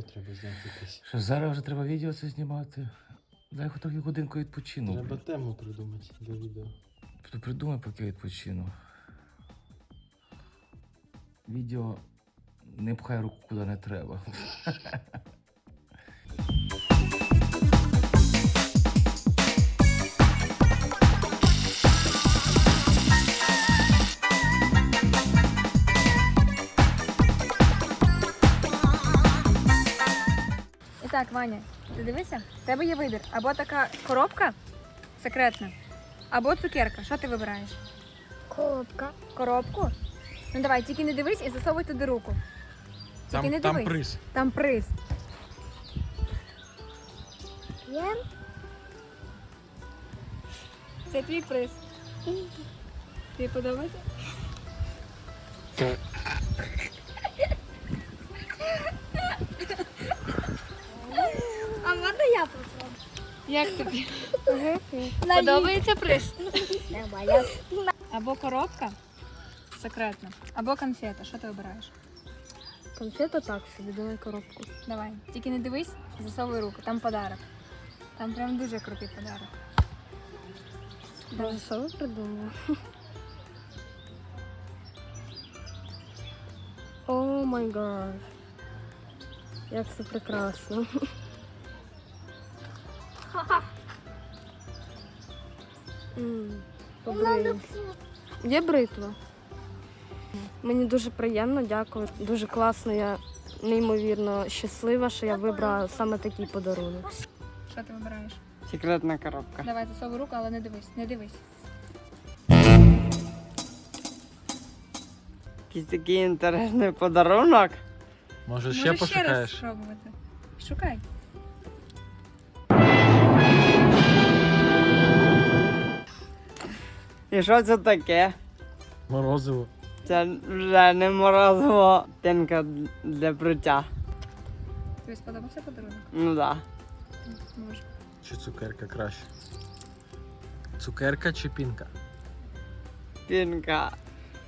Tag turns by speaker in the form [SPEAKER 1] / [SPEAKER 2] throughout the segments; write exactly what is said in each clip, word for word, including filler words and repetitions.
[SPEAKER 1] треба зняти якесь.
[SPEAKER 2] Що зараз вже треба відео це знімати. Дай хоч трохи годинку відпочину.
[SPEAKER 1] Треба тему придумати для відео.
[SPEAKER 2] Ти придумай, поки відпочину. Відео не пхай руку куди не треба.
[SPEAKER 3] І так, Ваня, ти дивися, в тебе є вибір. Або така коробка секретна, або цукерка. Що ти вибираєш?
[SPEAKER 4] Коробка.
[SPEAKER 3] Коробку? Ну давай, тільки не дивись і засовуй туди руку. Тільки
[SPEAKER 1] Там,
[SPEAKER 3] не
[SPEAKER 1] там
[SPEAKER 3] дивись.
[SPEAKER 1] приз.
[SPEAKER 3] Там приз.
[SPEAKER 4] Є?
[SPEAKER 3] Це твій приз. Тобі подобається?
[SPEAKER 4] А можна я попробую?
[SPEAKER 3] Як тобі? Подобається приз?
[SPEAKER 4] Нормально.
[SPEAKER 3] Або коробка секретна, або конфета. Що ти вибираєш?
[SPEAKER 4] Конфета так собі, давай коробку.
[SPEAKER 3] Давай, тільки не дивись, засовуй руку, там подарок. Там прям дуже крутий подарок.
[SPEAKER 4] Боже, що ви придумали? О май гад. Як це прекрасно. М, побрию. Є бритва? Мені дуже приємно, дякую. Дуже класно, я неймовірно щаслива, що я вибрала саме такий подарунок.
[SPEAKER 3] Що ти вибираєш?
[SPEAKER 5] Секретна коробка.
[SPEAKER 3] Давай засовуй руку, але не дивись, не дивись.
[SPEAKER 5] Якийсь такий інтересний подарунок.
[SPEAKER 1] Може ще
[SPEAKER 3] Можеш ще раз
[SPEAKER 1] пошукаєш?
[SPEAKER 3] спробувати. Шукай.
[SPEAKER 5] І що це таке?
[SPEAKER 1] Морозиво.
[SPEAKER 5] Це вже не морозиво, пінка для бриття.
[SPEAKER 3] Тобі сподобався подарунок?
[SPEAKER 5] Ну да.
[SPEAKER 3] Може.
[SPEAKER 1] Чи цукерка краще? Цукерка чи пінка?
[SPEAKER 5] Пінка.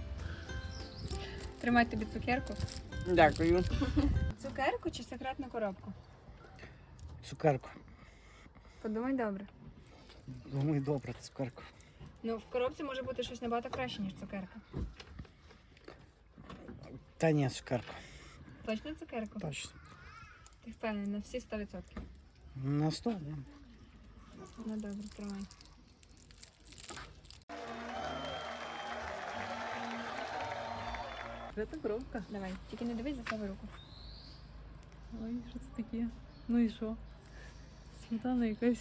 [SPEAKER 3] Тримай тобі цукерку.
[SPEAKER 5] Дякую.
[SPEAKER 3] Цукерку чи секретну коробку?
[SPEAKER 2] Цукерку.
[SPEAKER 3] Подумай добре.
[SPEAKER 2] Думаю, добре, цукерку.
[SPEAKER 3] Ну, в коробці може бути щось набагато краще, ніж цукерка.
[SPEAKER 2] Та ні, цукерку.
[SPEAKER 3] Точно цукерку?
[SPEAKER 2] Точно.
[SPEAKER 3] Ти впевнений на всі сто відсотків?
[SPEAKER 2] На сто, ні.
[SPEAKER 3] Ну добре, тримай.
[SPEAKER 6] Це коробка.
[SPEAKER 3] Давай, тільки не дивись, засовуй руку.
[SPEAKER 6] Ой, що це таке? Ну і що? Сметана якась.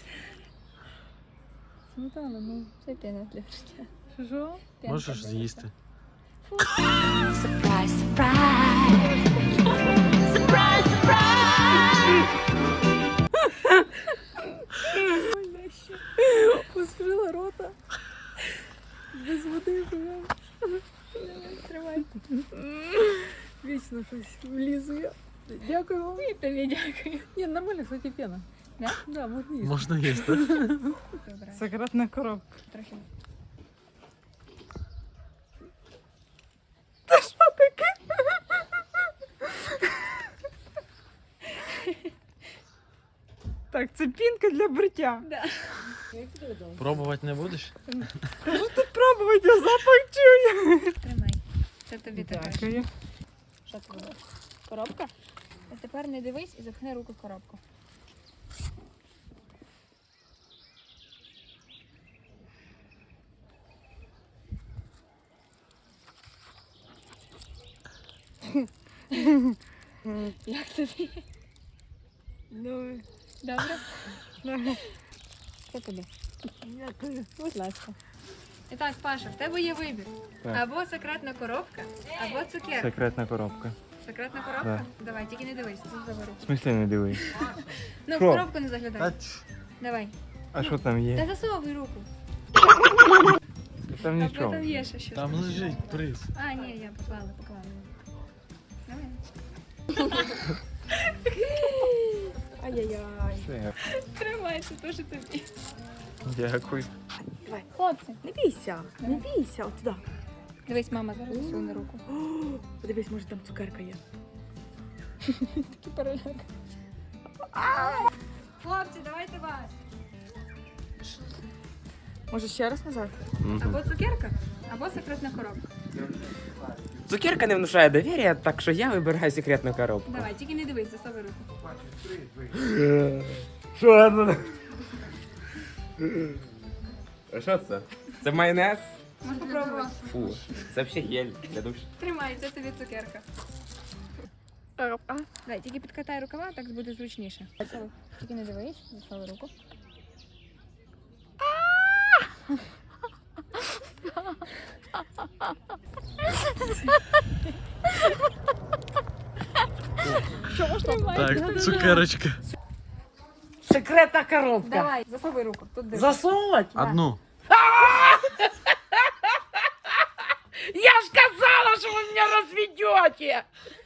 [SPEAKER 6] Сметана, ну.
[SPEAKER 3] Це піна для життя.
[SPEAKER 6] Що що?
[SPEAKER 3] Пінка
[SPEAKER 1] Можеш
[SPEAKER 3] для
[SPEAKER 1] з'їсти.
[SPEAKER 3] життя.
[SPEAKER 7] Surprise, surprise. Surprise, surprise.
[SPEAKER 6] Поскрила рота. Без води живе.
[SPEAKER 3] Тримай.
[SPEAKER 6] Вічно щось влізу я. Дякую вам.
[SPEAKER 3] І тобі дякую.
[SPEAKER 6] Ні, нормально, кстати, пена.
[SPEAKER 3] Да?
[SPEAKER 6] Да, можна їсти.
[SPEAKER 1] Можна їсти.
[SPEAKER 3] Вибирай.
[SPEAKER 6] Секретна коробка.
[SPEAKER 3] Трохи.
[SPEAKER 6] Так, це пінка для бриття.
[SPEAKER 3] Да.
[SPEAKER 1] Пробувати не будеш?
[SPEAKER 6] Пробувати, я запах чую.
[SPEAKER 3] Тримай. Це тобі таке.
[SPEAKER 6] Дякую.
[SPEAKER 3] Що це буде? Коробка? А тепер не дивись і запхни руку в коробку. Як тобі?
[SPEAKER 6] Ну,
[SPEAKER 3] Добре? Це тобі.
[SPEAKER 6] дякую.
[SPEAKER 3] Будь ласка. І так, Паша, в тебе є вибір.
[SPEAKER 2] Так.
[SPEAKER 3] Або секретна коробка, або цукерка.
[SPEAKER 2] Секретна коробка.
[SPEAKER 3] Секретна коробка? Давай, тільки не дивись, засовуй руку.
[SPEAKER 2] В смислі не дивись.
[SPEAKER 3] Ну, в
[SPEAKER 2] Що?
[SPEAKER 3] коробку не заглядай. Давай.
[SPEAKER 2] А що там
[SPEAKER 3] Та
[SPEAKER 2] є?
[SPEAKER 3] засовуй руку.
[SPEAKER 2] Там
[SPEAKER 3] Або
[SPEAKER 2] нічого.
[SPEAKER 3] там є ще щось.
[SPEAKER 1] Там лежить приз.
[SPEAKER 3] А, ні, я поклала, поклала. Давай.
[SPEAKER 6] Ай-яй-яй.
[SPEAKER 2] Все,
[SPEAKER 3] Тримай, це теж тобі.
[SPEAKER 2] дякую.
[SPEAKER 3] Давай, хлопці.
[SPEAKER 6] Не бійся, не бійся, от туди.
[SPEAKER 3] Дивись, мама зараз засуне руку.
[SPEAKER 6] Подивись, може там цукерка є.
[SPEAKER 3] Такий переляк. Хлопці, давайте вас. Може ще раз назад? Або цукерка, або секретна коробка.
[SPEAKER 8] Цукерка не внушає довір'я, так що я вибираю секретну коробку.
[SPEAKER 3] Давай, тільки не дивись, засовуй руку.
[SPEAKER 8] Що це? А що це? Це майонез?
[SPEAKER 3] Можеш попробувати.
[SPEAKER 8] Фу, це взагалі гель для душу.
[SPEAKER 3] Тримай, це тобі цукерка. Давай, тільки підкатай рукава, так буде зручніше. Засовуй. Тільки не дивись, засовуй руку.
[SPEAKER 1] Так, цукерочка.
[SPEAKER 5] Секретна коробка.
[SPEAKER 3] Давай, засовуй руку. Тут дивись.
[SPEAKER 5] Засовувати?
[SPEAKER 1] Одну.
[SPEAKER 5] Я ж казала, що ви мене розведете.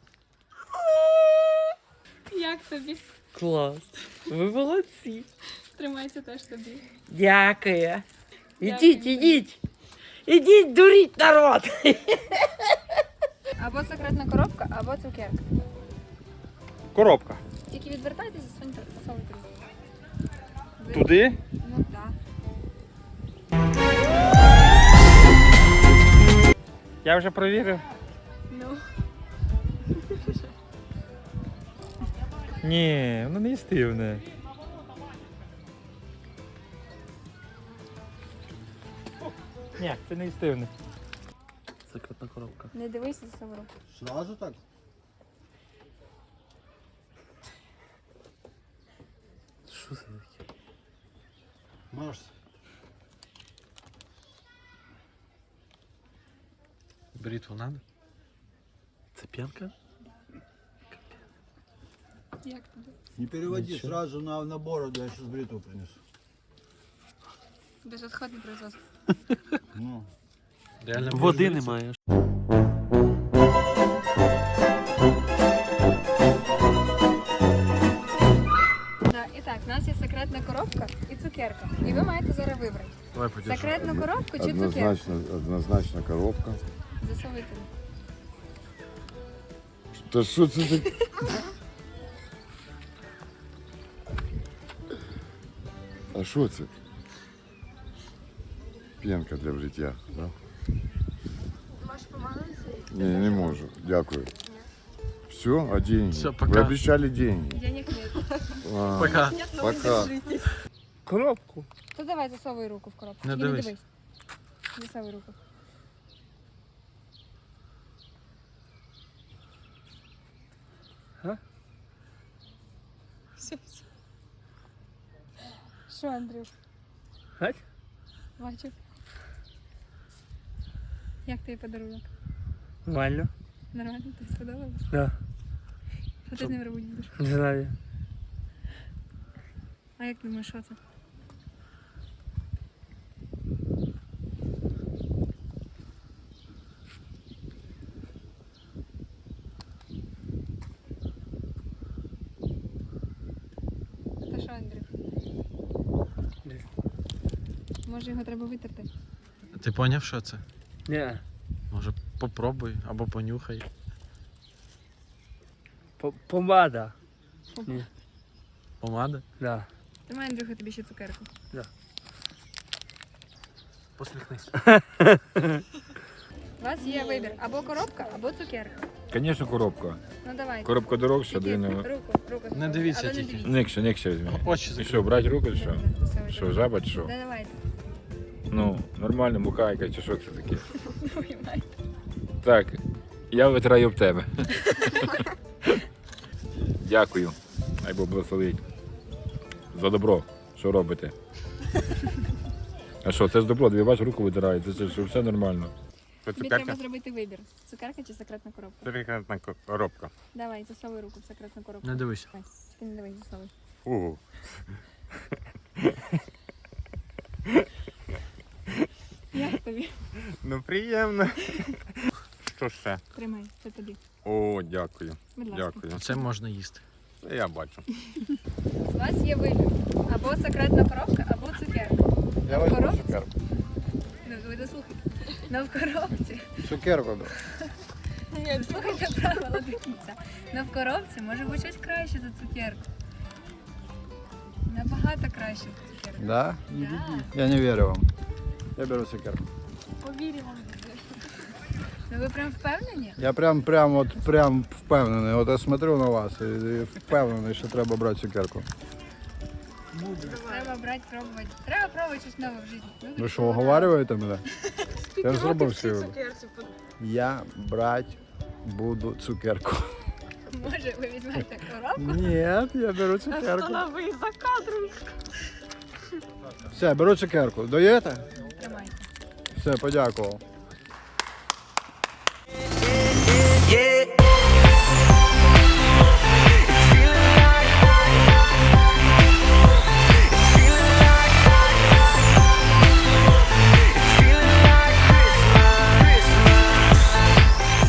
[SPEAKER 6] Як тобі?
[SPEAKER 5] Клас. Ви молодці.
[SPEAKER 6] Тримайся теж тобі.
[SPEAKER 5] Дякую. Ідіть, ідіть. Ідіть, дуріть народ.
[SPEAKER 3] Або секретна коробка, або цукерка.
[SPEAKER 9] Коробка.
[SPEAKER 3] Тільки відвертайтеся, соньте, засовуйте руку. Ви-
[SPEAKER 9] Туди?
[SPEAKER 3] Ну так.
[SPEAKER 9] Я вже провірив.
[SPEAKER 6] Ну.
[SPEAKER 9] Ні, воно не їстивне. Ні, це не їстивне.
[SPEAKER 1] Секретна коробка.
[SPEAKER 3] Не дивися, засовуй руку.
[SPEAKER 10] Сразу так?
[SPEAKER 1] Що це таке?
[SPEAKER 10] Марс.
[SPEAKER 1] Бритву надо? Це п'янка?
[SPEAKER 6] Як тобі?
[SPEAKER 10] Не переводи
[SPEAKER 1] Ничего.
[SPEAKER 10] сразу на, на бороду, я сейчас бритву принесу.
[SPEAKER 3] Безотходне производство.
[SPEAKER 10] Ну.
[SPEAKER 1] Реально
[SPEAKER 2] Води
[SPEAKER 1] більше
[SPEAKER 2] немає.
[SPEAKER 3] Да, і так, у нас є секретна коробка і цукерка. І ви маєте зараз вибрати.
[SPEAKER 1] Давай подержи.
[SPEAKER 3] Секретну коробку чи цукерку?
[SPEAKER 11] Однозначно, однозначно коробка.
[SPEAKER 3] Засовуйте.
[SPEAKER 11] Та що це таке? А що це? П'янка для вжиття, да?
[SPEAKER 4] Можеш помагатися?
[SPEAKER 11] Ні, не можу. Дякую. Все, а деньги?
[SPEAKER 1] Всё,
[SPEAKER 11] Вы
[SPEAKER 1] пока.
[SPEAKER 11] обещали деньги.
[SPEAKER 3] Денег нет.
[SPEAKER 11] А,
[SPEAKER 1] Пока.
[SPEAKER 11] Пока.
[SPEAKER 5] Коробку.
[SPEAKER 3] То давай засовуй руку в коробку.
[SPEAKER 1] Не
[SPEAKER 3] Тільки
[SPEAKER 1] дивись.
[SPEAKER 3] дивись. Засовуй руку.
[SPEAKER 5] А?
[SPEAKER 3] Все, все. Що, Андрюх?
[SPEAKER 5] Гать?
[SPEAKER 3] Бачу. Як тобі подарунок?
[SPEAKER 5] Нормально.
[SPEAKER 3] Нормально? Тобі сподобалось?
[SPEAKER 5] Да.
[SPEAKER 3] Що ти з ним робити будеш?
[SPEAKER 5] Не знаю.
[SPEAKER 3] А як думаєш, що це? Та що, Андрюх? Може його треба витерти?
[SPEAKER 1] Ти поняв, що це?
[SPEAKER 5] Ні.
[SPEAKER 1] Може попробуй або понюхай.
[SPEAKER 5] Помада.
[SPEAKER 1] Помада?
[SPEAKER 5] Да.
[SPEAKER 3] Тримай, Андрюха, тобі ще цукерку.
[SPEAKER 1] Посміхнись.
[SPEAKER 3] У вас є вибір або коробка, або цукерка.
[SPEAKER 9] Звісно, коробка.
[SPEAKER 3] Ну давайте.
[SPEAKER 9] Коробка дорогша,
[SPEAKER 3] Тільки
[SPEAKER 9] длинна.
[SPEAKER 3] руку, руку.
[SPEAKER 1] Не дивіться
[SPEAKER 3] Але не
[SPEAKER 1] тільки.
[SPEAKER 3] дивіться.
[SPEAKER 9] Никше, никше візьми.
[SPEAKER 1] Очі
[SPEAKER 9] І
[SPEAKER 1] закрий.
[SPEAKER 9] що, брати руку, чи що?
[SPEAKER 3] Добре, засовуйте.
[SPEAKER 9] Що, жаба, чи що?
[SPEAKER 3] Да, давайте.
[SPEAKER 9] Ну, нормально, мукайка, чи що це таке?
[SPEAKER 3] Поймай.
[SPEAKER 9] Так, я витираю об тебе. Дякую. Хай Бог благословить. За добро, що робите. А що, це ж добро, дві бач, руку витирає, це ж що, все нормально.
[SPEAKER 3] Тобі треба зробити вибір. Цукерка чи секретна коробка?
[SPEAKER 9] Секретна коробка.
[SPEAKER 3] Давай, засовуй руку в секретну коробку.
[SPEAKER 1] Не дивись.
[SPEAKER 3] Давай, тільки не дивись, засовуй.
[SPEAKER 9] Ого.
[SPEAKER 3] Як тобі?
[SPEAKER 9] Ну приємно. Що ще?
[SPEAKER 3] Тримай, це тобі.
[SPEAKER 9] О, дякую.
[SPEAKER 3] Будь ласка.
[SPEAKER 9] Дякую.
[SPEAKER 1] Це можна їсти.
[SPEAKER 9] Це я бачу.
[SPEAKER 3] У вас є вибір. Або секретна коробка, або цукерка.
[SPEAKER 10] Я
[SPEAKER 3] возьму
[SPEAKER 10] возьму
[SPEAKER 3] цукерку. Ну, ви дослухайте. Ну, в коробці.
[SPEAKER 10] Цукерку.
[SPEAKER 3] Ай, Ні, слухайте правила до кінця. Но в коробці може бути щось краще за цукерку. Набагато краще за цукерку.
[SPEAKER 10] Да?
[SPEAKER 3] Да.
[SPEAKER 10] Я не верю вам. Я беру цукерку.
[SPEAKER 3] Повіримо. Ну ви прям впевнені?
[SPEAKER 10] Я прям, прям, от, прям впевнений. От я смотрю на вас і, і впевнений, що треба брати цукерку.
[SPEAKER 3] Треба брати, пробувати. Треба пробувати щось нове в житті. Ну,
[SPEAKER 10] Ви що, оговарюєте мене? Я ж зробив свій вибір. Я брати буду цукерку.
[SPEAKER 3] Може, ви візьмете коробку?
[SPEAKER 10] Ні, я беру цукерку. Все, беру цукерку. Доїте?
[SPEAKER 3] Тримайте.
[SPEAKER 10] Все, подякував.